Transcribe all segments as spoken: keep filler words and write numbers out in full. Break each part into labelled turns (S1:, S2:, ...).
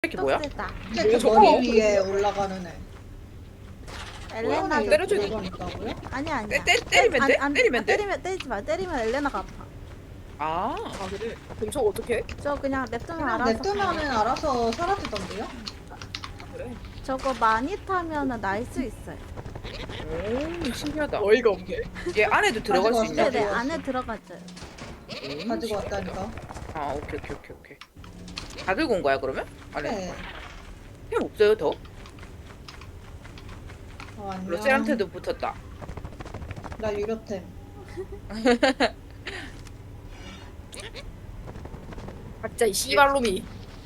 S1: 새끼 뭐야?
S2: 쟤그
S3: 저거?
S2: 머리 위에 올라가는 애.
S3: 엘레나
S2: 에
S1: 때려줘.
S2: 그건 있다고요?
S3: 아니 아니야.
S1: 때- 때- 때리면 돼?
S3: 아니, 아니,
S1: 때리면 돼?
S3: 때리면 때리지 마. 때리면 엘레나가 아파.
S1: 아,
S4: 아 그래? 그럼 저거 어떻게?
S3: 저 그냥 냅두면
S2: 그냥
S3: 알아서.
S2: 냅두면은 알아서 사라지던데요?
S4: 아 그래?
S3: 저거 많이 타면은 날 수 있어요.
S1: 오, 신기하다.
S4: 어이가 없네.
S1: 얘 안에도 들어갈 수
S2: 가지고
S1: 있냐?
S2: 왔어.
S3: 네네
S2: 왔어.
S3: 안에 들어가죠.
S1: 음,
S2: 가지고 왔다니까.
S1: 아, 오케이, 오케이, 오케이, 오케이. 다 들고 온 거야 그러면? 안에
S2: 네.
S1: 템 없어요 더?
S2: 어, 안녕.
S1: 러셀한테도 붙었다.
S2: 나 유료템.
S4: 각자 이 씨발놈이.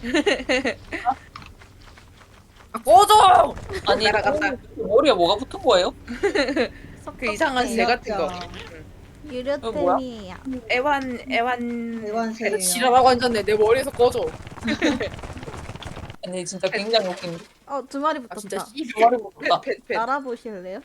S4: 아 꺼져!
S5: 아니
S1: 날아갔다.
S5: 머리에 뭐가 붙은 거예요?
S1: 그 이상한 새 같은 거.
S2: 진짜.
S3: 유료템이에요.
S1: 애완, 애완.
S2: 대관세예요.
S4: 지랄하고 앉았네. 내 머리에서 꺼져.
S5: 아니 진짜 굉장히 웃긴
S3: 어 두 마리
S4: 아 진짜
S3: 붙었다.
S4: 씨.
S5: 머리 붙다.
S1: 펫, 펫, 펫.
S3: 날아보실래요?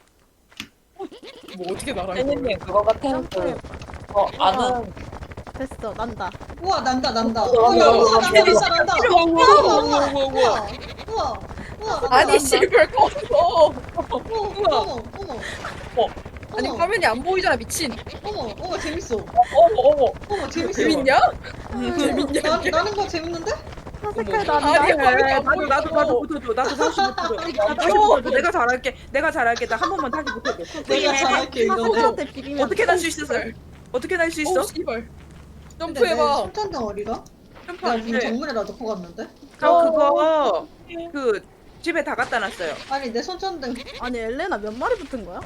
S4: 뭐 어떻게 날아?
S5: 혜니님 그거 같은
S3: 점프해.
S5: 그 어, 아는
S3: 됐어 난다.
S2: 우와 난다 난다.
S5: 우와,
S2: 우와
S5: 우와,
S2: 우와
S5: 우와,
S2: 난다
S5: 우와,
S2: 난다 난다.
S1: 우와,
S2: 우와 우와
S1: 우와,
S2: 우와
S1: 우와, 우와.
S2: 우와 우와 난다,
S4: 아니
S2: 난다.
S4: 씨발 꺼져.
S2: 어머 어머 어머.
S4: 아니
S2: 어머,
S4: 화면이 안 보이잖아 미친.
S2: 어머 어머 재밌어.
S5: 어머 어머
S2: 어머 재밌어.
S4: 재밌냐?
S2: 음,
S4: 재밌냐,
S2: 나,
S4: 이게?
S2: 나는 거 재밌는데?
S3: 사색깔
S4: 아니,
S3: 난다.
S4: 화면이 안
S1: 나도 나도 나도 붙어줘. 나도 다시 붙어줘. 나도 다시 붙어줘. 내가 잘할게. 내가 잘할게. 나 한 번만 다시 붙어줘.
S2: 내가 잘할게 이거.
S3: 사색한테 비비면
S1: 어떻게 날 수 있었어? 어떻게 날 수 있어?
S4: 오 씨발.
S2: 근데 내
S4: 점프해봐.
S2: 손전등 어디가? 나 지금
S1: 점프하는데.
S2: 정문에다 넣고 갔는데?
S1: 저 그거 그 집에 다 갖다 놨어요.
S2: 아니 내 손전등
S3: 아니 엘레나 몇 마리 붙은 거야?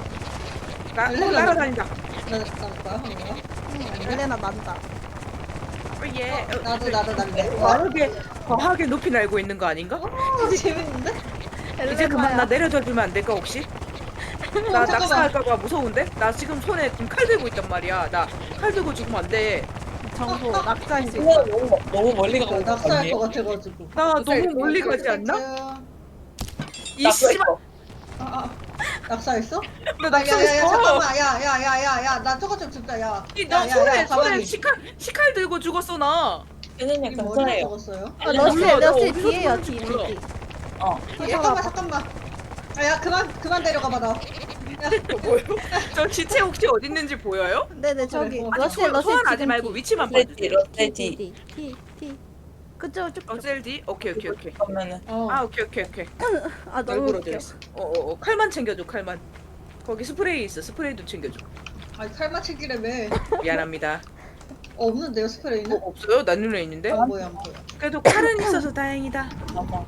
S1: 나
S2: 원래
S1: 어, 날아다닌다.
S2: 나 나는 거야 하는 거야?
S3: 응, 엘레나 난다.
S1: 어, 예. 어,
S2: 나도 나도 난데. 와
S1: 과하게 과하게 높이 날고 있는 거 아닌가?
S2: 진짜 재밌는데?
S1: 이제 그만 나 내려줘 주면 안 될까 혹시? 나
S2: 어, 잠깐만.
S1: 낙사할까봐 무서운데? 나 지금 손에 지금 칼 들고 있단 말이야. 나 칼 들고 죽으면 안 돼.
S3: 정보 낙사할 수 있어.
S5: 그냥 너무 너무 멀리 가고
S2: 나
S5: 있는 거
S2: 낙사할
S5: 아니에요?
S2: 것 같아가지고.
S1: 나 너무 멀리 가지 않나?
S2: 아,
S1: 이 씨발.
S2: 아, 낙사했어?
S1: 나
S2: 야야야
S1: 낙사했어.
S2: 잠깐만 야야야야야 나 저거 좀 줍자 야.
S1: 나
S2: 야, 야,
S1: 손에
S2: 야,
S1: 손에
S2: 가만히.
S1: 시칼 시칼 들고 죽었어 나.
S5: 혜니님
S2: 이 머리를
S5: 괜찮아요.
S2: 먹었어요?
S3: 아, 러시
S1: 몰라, 나
S3: 러시
S1: 어디서
S3: 뒤에요
S1: 죽었는지
S3: 뒤
S1: 몰라.
S3: 뒤. 뒤.
S5: 어
S2: 아, 잠깐만 잠깐만. 아, 야 그만 그만 데려가봐 나.
S4: 뭐요?
S1: 저 시체 혹시 어디 있는지 보여요?
S3: 네네 저기
S2: 어,
S1: 아니
S3: 러시
S1: 소환,
S3: 러시
S1: 소환하지
S3: 지금
S1: 말고
S3: 뒤.
S1: 위치만
S5: 레디
S1: 봐주세요.
S5: 레디
S3: T T T. 그쪽 쭉.
S1: 어셀디? 오케이 오케이 오케이.
S5: 그러면은
S2: 어.
S1: 아 오케이 오케이 오케이.
S3: 아 너무
S4: 얼굴
S3: 웃겨.
S4: 어디였어?
S1: 어어 어, 칼만 챙겨줘 칼만. 거기 스프레이 있어 스프레이도 챙겨줘.
S2: 아니 칼만 챙기려며.
S1: 미안합니다.
S2: 어, 없는데요
S1: 어,
S2: 스프레이는?
S1: 없어요? 나 눈에 있는데?
S2: 안 보여 안 보여.
S1: 그래도 칼은 있어서 다행이다.
S5: 아마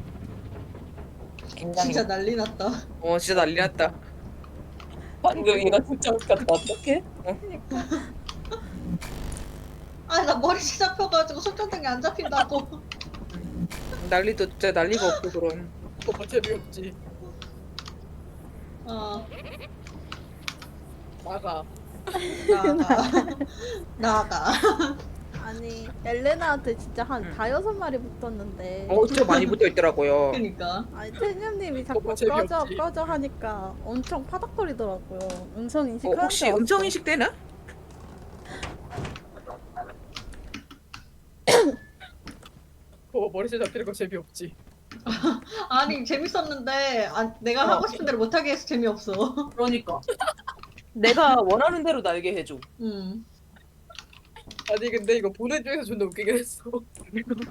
S5: 굉장히
S2: 진짜 난리 났다.
S1: 어 진짜 난리 났다.
S5: 방금 얘가 진짜 웃겼다. 어떡해?
S2: 아니 나 머리 잡혀가지고 손전등이 안 잡힌다고.
S1: 난리도 진짜 난리가 없고 그럼.
S4: 그거 재미없지.
S2: 어
S4: 나가.
S2: 나가 나가.
S3: 아니 엘레나한테 진짜 한
S1: 응.
S3: 다여섯 마리 붙었는데.
S1: 어 진짜 많이 붙어 있더라고요.
S2: 그니까.
S3: 아니 태님님이 자꾸
S4: 그거
S3: 꺼져
S4: 재미없지.
S3: 꺼져 하니까 엄청 파닥거리더라고요. 음성 인식
S1: 어,
S3: 하는
S1: 혹시
S3: 줄 알았어.
S1: 음성 인식 되나?
S4: 그거 머리채 잡히는 거 재미없지.
S2: 아니 재밌었는데 아, 내가 하고 싶은 대로 못하게 해서 재미없어.
S1: 그러니까. 내가 원하는 대로 날게 해줘.
S2: 음.
S4: 아니 근데 이거 보내주면서 존나 웃기긴 했어.